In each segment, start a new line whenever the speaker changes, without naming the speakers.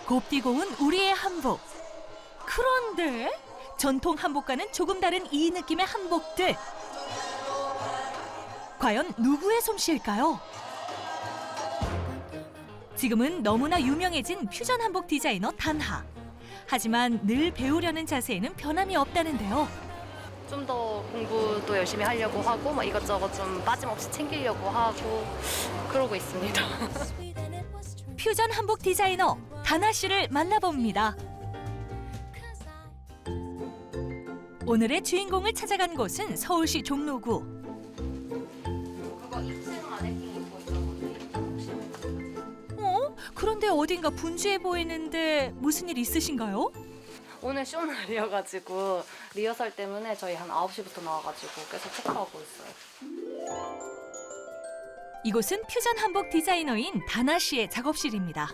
곱디고 온 우리의 한복. 그런데 전통 한복과는 조금 다른 이 느낌의 한복들. 과연 누구의 솜씨일까요? 지금은 너무나 유명해진 퓨전 한복 디자이너 단하. 하지만 늘 배우려는 자세에는 변함이 없다는데요.
좀 더 공부도 열심히 하려고 하고 막 이것저것 좀 빠짐없이 챙기려고 하고 그러고 있습니다.
퓨전 한복 디자이너 단하 씨를 만나봅니다. 오늘의 주인공을 찾아간 곳은 서울시 종로구.
그거 2층 마네킹 입고 있었는데.
그런데 어딘가 분주해 보이는데 무슨 일 있으신가요?
오늘 쇼날이어가지고 리허설 때문에 저희 한 9시부터 나와가지고 계속 체크하고 있어요.
이곳은 퓨전 한복 디자이너인 단하 씨의 작업실입니다.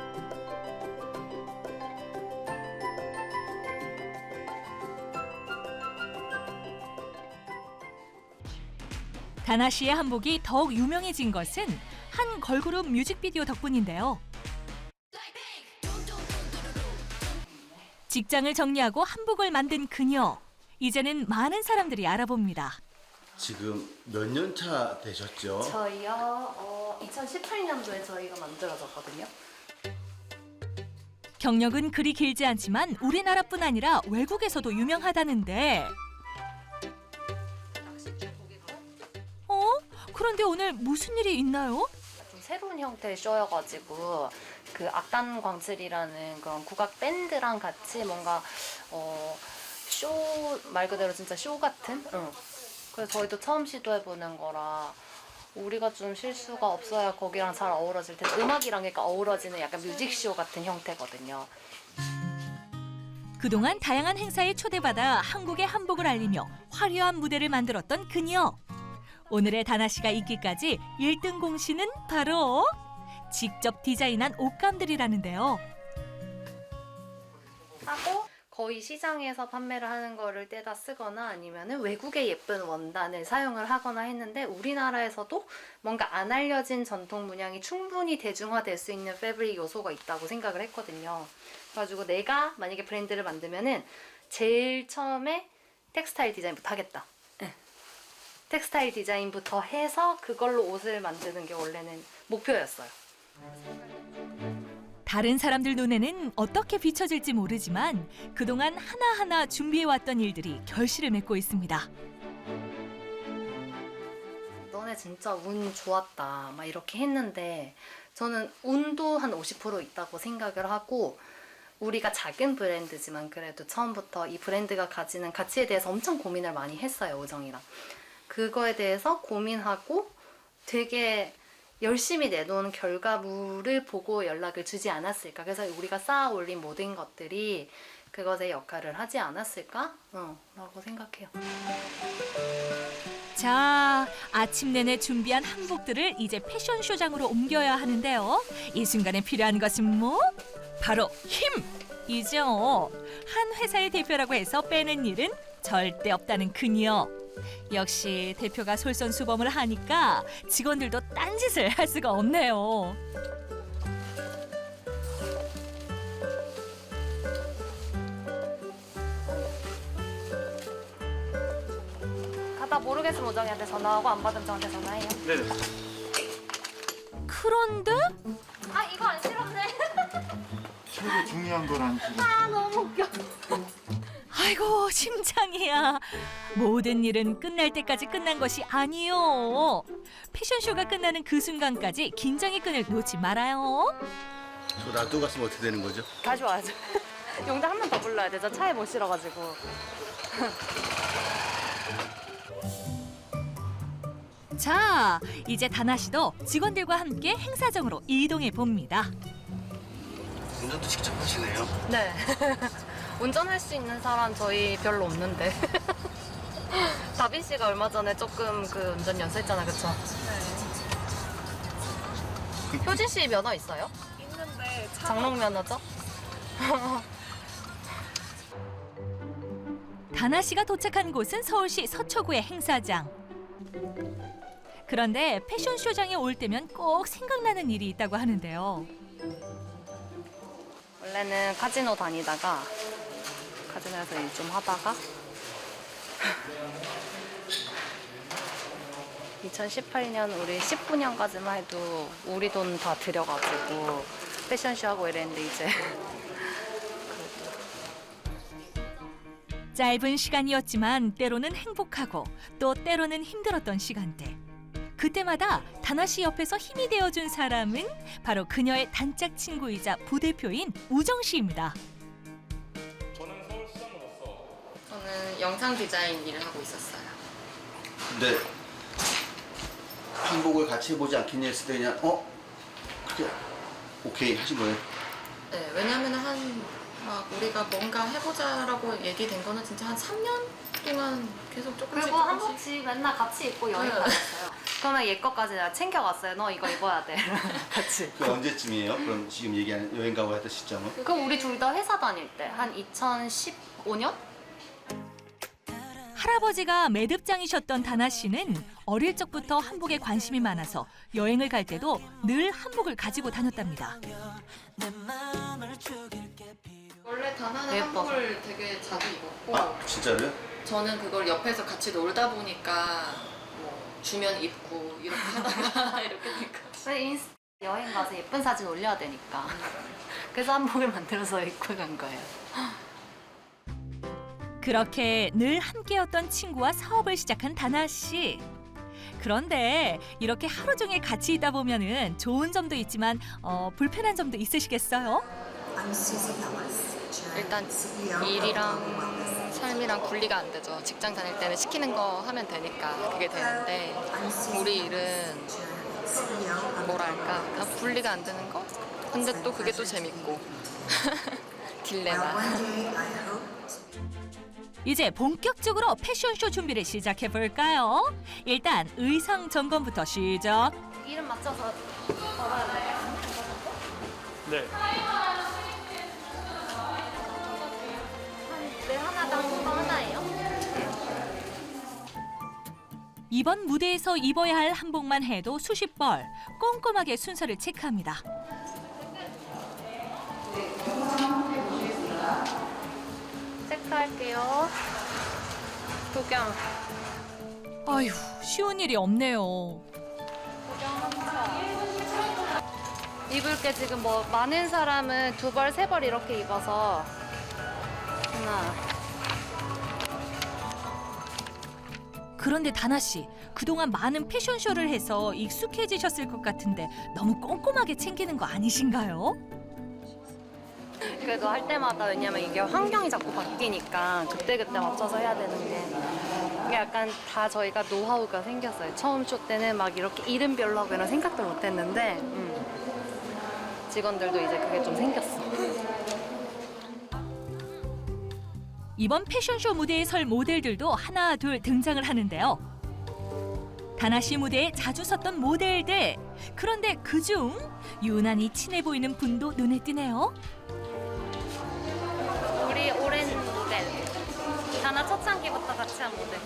단하 씨의 한복이 더욱 유명해진 것은 한 걸그룹 뮤직비디오 덕분인데요. 직장을 정리하고 한복을 만든 그녀. 이제는 많은 사람들이 알아봅니다.
지금 몇 년 차 되셨죠?
저희요 2018년도에 저희가 만들어졌거든요.
경력은 그리 길지 않지만 우리나라뿐 아니라 외국에서도 유명하다는데. 그런데 오늘 무슨 일이 있나요?
좀 새로운 형태의 쇼여가지고 그 악단 광칠이라는 그런 국악 밴드랑 같이 뭔가 쇼 말 그대로 진짜 쇼 같은? 그래서 저희도 처음 시도해보는 거라 우리가 좀 실수가 없어야 거기랑 잘 어우러질 텐데 음악이랑 그러니까 어우러지는 약간 뮤직쇼 같은 형태거든요.
그동안 다양한 행사에 초대받아 한국의 한복을 알리며 화려한 무대를 만들었던 그녀. 오늘의 단하 씨가 있기까지 1등 공신은 바로 직접 디자인한 옷감들이라는데요.
하고 거의 시장에서 판매를 하는 거를 떼다 쓰거나 아니면은 외국의 예쁜 원단을 사용을 하거나 했는데 우리나라에서도 뭔가 안 알려진 전통 문양이 충분히 대중화될 수 있는 패브릭 요소가 있다고 생각을 했거든요. 그래가지고 내가 만약에 브랜드를 만들면은 제일 처음에 텍스타일 디자인부터 하겠다. 텍스타일 디자인부터 해서 그걸로 옷을 만드는 게 원래는 목표였어요.
다른 사람들 눈에는 어떻게 비춰질지 모르지만 그동안 하나하나 준비해왔던 일들이 결실을 맺고 있습니다.
너네 진짜 운 좋았다 막 이렇게 했는데 저는 운도 한 50% 있다고 생각을 하고 우리가 작은 브랜드지만 그래도 처음부터 이 브랜드가 가지는 가치에 대해서 엄청 고민을 많이 했어요, 오정이랑. 그거에 대해서 고민하고 되게 열심히 내놓은 결과물을 보고 연락을 주지 않았을까. 그래서 우리가 쌓아 올린 모든 것들이 그것의 역할을 하지 않았을까? 라고 생각해요.
자, 아침 내내 준비한 한복들을 이제 패션쇼장으로 옮겨야 하는데요. 이 순간에 필요한 것은 뭐? 바로 힘이죠. 한 회사의 대표라고 해서 빼는 일은 절대 없다는 그녀. 역시 대표가 솔선수범을 하니까 직원들도 딴짓을 할 수가 없네요.
가다 모르겠으면 오정이한테 전화하고 안 받으면 저한테 전화해요.
네네.
그런데
아 이거 안 싫었네.
최고 중요한 거란 지금.
아 너무 웃겨.
아이고 심장이야. 모든 일은 끝날 때까지 끝난 것이 아니요. 패션쇼가 끝나는 그 순간까지 긴장의 끈을 놓지 말아요.
저 놔두고 갔으면 어떻게 되는 거죠?
다시 와야죠. 용자 한 번 더 불러야 돼. 저 차에 못 실어가지고.
자, 이제 단하 씨도 직원들과 함께 행사장으로 이동해 봅니다.
운전도 직접 하시네요.
네. 운전할 수 있는 사람 저희 별로 없는데. 다빈 씨가 얼마 전에 조금 그 운전 연수했잖아, 그쵸? 네. 효진 씨 면허 있어요?
있는데
장롱 면허죠?
단하 씨가 도착한 곳은 서울시 서초구의 행사장. 그런데 패션쇼장에 올 때면 꼭 생각나는 일이 있다고 하는데요.
원래는 카지노 다니다가 카지노에서 일 좀 하다가 2018년 우리 19년까지만 해도 우리 돈 다 들여가지고 패션쇼 하고 이랬는데 이제
짧은 시간이었지만 때로는 행복하고 또 때로는 힘들었던 시간대. 그때마다 다나 씨 옆에서 힘이 되어준 사람은 바로 그녀의 단짝 친구이자 부대표인 우정 씨입니다.
저는 영상 디자인 일을 하고 있었어요.
근데 한복을 같이 해보지 않겠냐 했을 때 그냥 그래 오케이 하신 거예요?
네, 왜냐면 막 우리가 뭔가 해보자라고 얘기된 거는 진짜 한 3년 동안 계속 조금씩
그리고 한복씩 맨날 같이 입고 여행 다녔어요. 그러면 얘 거까지 내가 챙겨갔어요. 너 이거 입어야 돼. 같이.
그 언제쯤이에요? 그럼 지금 얘기하는 여행 가고 했던 시점은?
그럼 우리 둘 다 회사 다닐 때 한 2015년?
할아버지가 매듭장이셨던 다나 씨는 어릴 적부터 한복에 관심이 많아서 여행을 갈 때도 늘 한복을 가지고 다녔답니다.
원래 다나는
예뻐서.
한복을 되게 자주 입었고
아 진짜로요?
저는 그걸 옆에서 같이 놀다 보니까 뭐 주면 입고 이렇게 하다가 이렇게 되니까
왜 인스타 여행 가서 예쁜 사진 올려야 되니까. 그래서 한복을 만들어서 입고 간 거예요.
그렇게 늘 함께였던 친구와 사업을 시작한 다나 씨. 그런데 이렇게 하루 종일 같이 있다 보면은 좋은 점도 있지만 불편한 점도 있으시겠어요?
일단 일이랑 삶이랑 분리가 안 되죠. 직장 다닐 때는 시키는 거 하면 되니까 그게 되는데 우리 일은 뭐랄까 그냥 분리가 안 되는 거? 근데 또 그게 또 재밌고 딜레마.
이제 본격적으로 패션쇼 준비를 시작해 볼까요? 일단 의상 점검부터 시작.
이름 맞춰서 걸어야 돼요.
네.
네, 하나당 그거 하나예요?
이번 무대에서 입어야 할 한복만 해도 수십 벌 꼼꼼하게 순서를 체크합니다.
체크할게요. 도경.
아휴, 쉬운 일이 없네요.
입을 게 지금 뭐 많은 사람은 2벌, 3벌 이렇게 입어서 하나.
그런데 다나 씨, 그동안 많은 패션쇼를 해서 익숙해지셨을 것 같은데 너무 꼼꼼하게 챙기는 거 아니신가요?
그래도 할 때마다 왜냐면 이게 환경이 자꾸 바뀌니까 그때그때 맞춰서 해야 되는데 이게 약간 다 저희가 노하우가 생겼어요. 처음 쇼 때는 막 이렇게 이름별로 하고 이런 생각도 못 했는데 직원들도 이제 그게 좀 생겼어.
이번 패션쇼 무대에 설 모델들도 하나 둘 등장을 하는데요. 다나 씨 무대에 자주 섰던 모델들. 그런데 그중 유난히 친해 보이는 분도 눈에 띄네요.
우리 오랜 모델. 다나 초창기부터 같이 한 모델.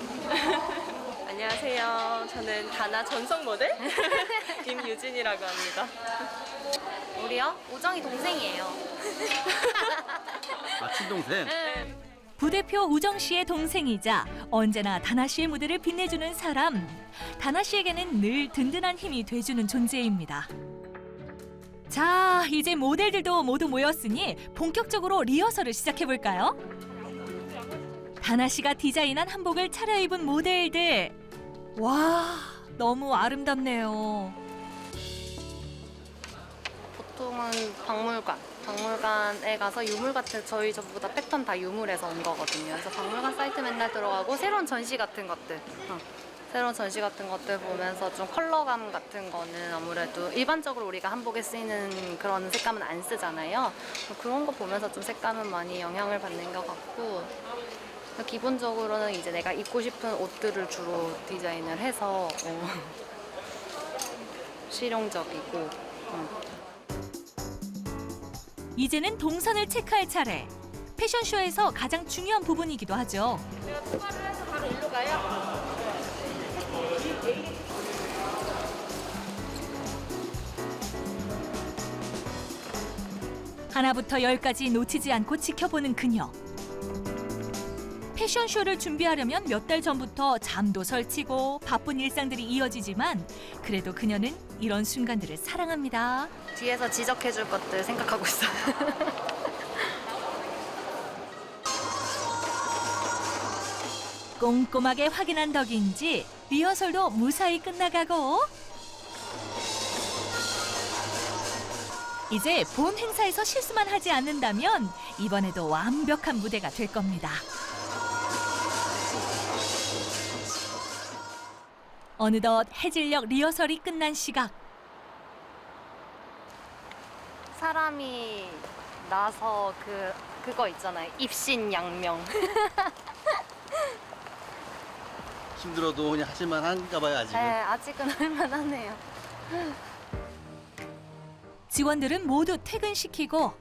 안녕하세요. 저는 다나 전속 모델 임유진이라고 합니다.
우리요? 우정이 동생이에요.
아 친동생?
부대표 우정 씨의 동생이자 언제나 다나 씨의 무대를 빛내주는 사람. 다나 씨에게는 늘 든든한 힘이 돼주는 존재입니다. 자, 이제 모델들도 모두 모였으니 본격적으로 리허설을 시작해볼까요? 다나 씨가 디자인한 한복을 차려입은 모델들. 와, 너무 아름답네요.
보통은 박물관에 가서 유물 같은 저희 전부 다 패턴 다 유물에서 온 거거든요. 그래서 박물관 사이트 맨날 들어가고 새로운 전시 같은 것들 보면서 좀 컬러감 같은 거는 아무래도 일반적으로 우리가 한복에 쓰이는 그런 색감은 안 쓰잖아요. 그런 거 보면서 좀 색감은 많이 영향을 받는 것 같고 기본적으로는 이제 내가 입고 싶은 옷들을 주로 디자인을 해서 실용적이고
이제는 동선을 체크할 차례. 패션쇼에서 가장 중요한 부분이기도 하죠. 하나부터 열까지 놓치지 않고 지켜보는 그녀. 패션쇼를 준비하려면 몇 달 전부터 잠도 설치고 바쁜 일상들이 이어지지만 그래도 그녀는 이런 순간들을 사랑합니다.
뒤에서 지적해줄 것들 생각하고 있어요.
꼼꼼하게 확인한 덕인지 리허설도 무사히 끝나가고 이제 본 행사에서 실수만 하지 않는다면 이번에도 완벽한 무대가 될 겁니다. 어느덧 해질녘 리허설이 끝난 시각.
사람이 나서 그거 있잖아요. 입신양명.
힘들어도 그냥 하실만 한가 봐요, 아직은.
네, 아직은 할만하네요.
직원들은 모두 퇴근시키고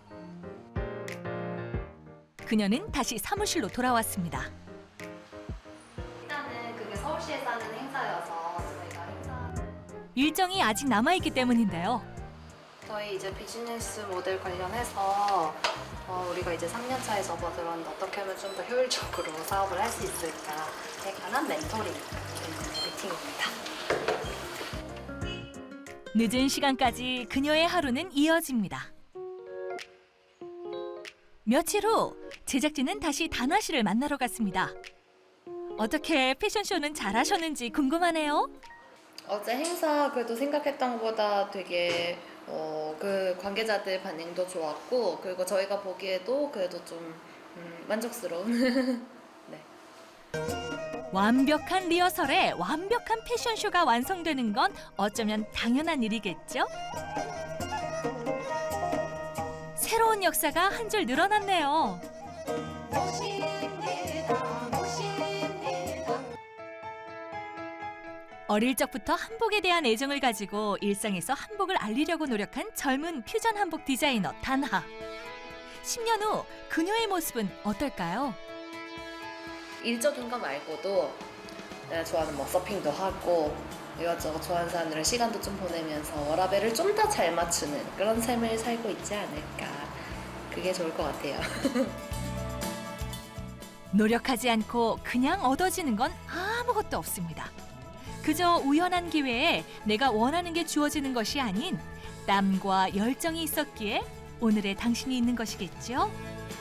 그녀는 다시 사무실로 돌아왔습니다.
일단은 그게 서울시에서 하는 행사여서 저희가 행사
일정이 아직 남아있기 때문인데요.
저희 이제 비즈니스 모델 관련해서 우리가 이제 3년 차에 접어들었는데 어떻게 하면 좀 더 효율적으로 사업을 할 수 있을까에 관한 멘토링 미팅입니다.
늦은 시간까지 그녀의 하루는 이어집니다. 며칠 후 제작진은 다시 단화 씨를 만나러 갔습니다. 어떻게 패션쇼는 잘하셨는지 궁금하네요.
어제 행사 그래도 생각했던 것보다 되게 그 관계자들 반응도 좋았고 그리고 저희가 보기에도 그래도 좀 만족스러운 네.
완벽한 리허설에 완벽한 패션쇼가 완성되는 건 어쩌면 당연한 일이겠죠? 새로운 역사가 한 줄 늘어났네요. 어릴 적부터 한복에 대한 애정을 가지고 일상에서 한복을 알리려고 노력한 젊은 퓨전 한복 디자이너 단하. 10년 후 그녀의 모습은 어떨까요?
일적인 거 말고도 내가 좋아하는 뭐 서핑도 하고 이것저것 좋아하는 사람들이랑 시간도 좀 보내면서 워라밸을 좀 더 잘 맞추는 그런 삶을 살고 있지 않을까. 그게 좋을 것 같아요.
노력하지 않고 그냥 얻어지는 건 아무것도 없습니다. 그저 우연한 기회에 내가 원하는 게 주어지는 것이 아닌 땀과 열정이 있었기에 오늘의 당신이 있는 것이겠죠?